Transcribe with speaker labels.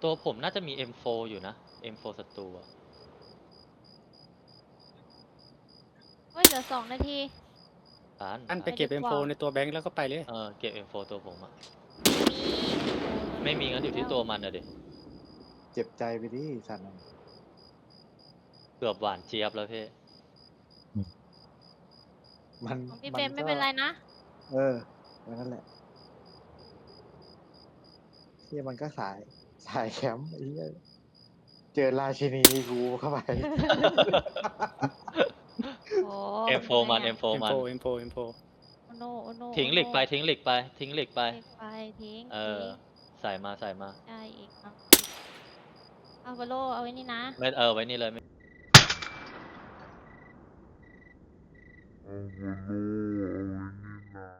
Speaker 1: ตัวผมน่าจะมี M4 อยู่นะ M4 ศัตรูอะ
Speaker 2: เฮ้ยเหลือ2 นาที
Speaker 3: อันไปเก็บ M4 ในตัวแบงค์แล้วก็ไปเลย
Speaker 1: เก็บ M4 ตัวผมอะ
Speaker 2: ไม่มี
Speaker 1: ไม่มีงั้นอยู่ที่ตัวมันอะดิ
Speaker 4: เจ็บใจไปดิสัตว์
Speaker 1: เกือบหวานเจี๊ยบแล้วพี่
Speaker 4: มัน
Speaker 2: ของพี่เฟรมไม่เป็นไรนะ
Speaker 4: นั่นแหละที่มันก็สายแคมป์ไอ้เหี้ยเจอราชินีกูเข้าไป
Speaker 2: โอ้
Speaker 1: M4 มัน M4 มัน
Speaker 3: M4
Speaker 2: โอโนโอโน
Speaker 1: ทิ้งเหล็กไปทิ้งเหล็กไปทิ้งเหล็กไป
Speaker 2: เหล็กไปทิ้ง
Speaker 1: ใส่มา
Speaker 2: ได้อีกครับเอาบอลโลเอาไว้นี่นะ
Speaker 1: ไม่ไว้นี่เลย
Speaker 5: Oh, no,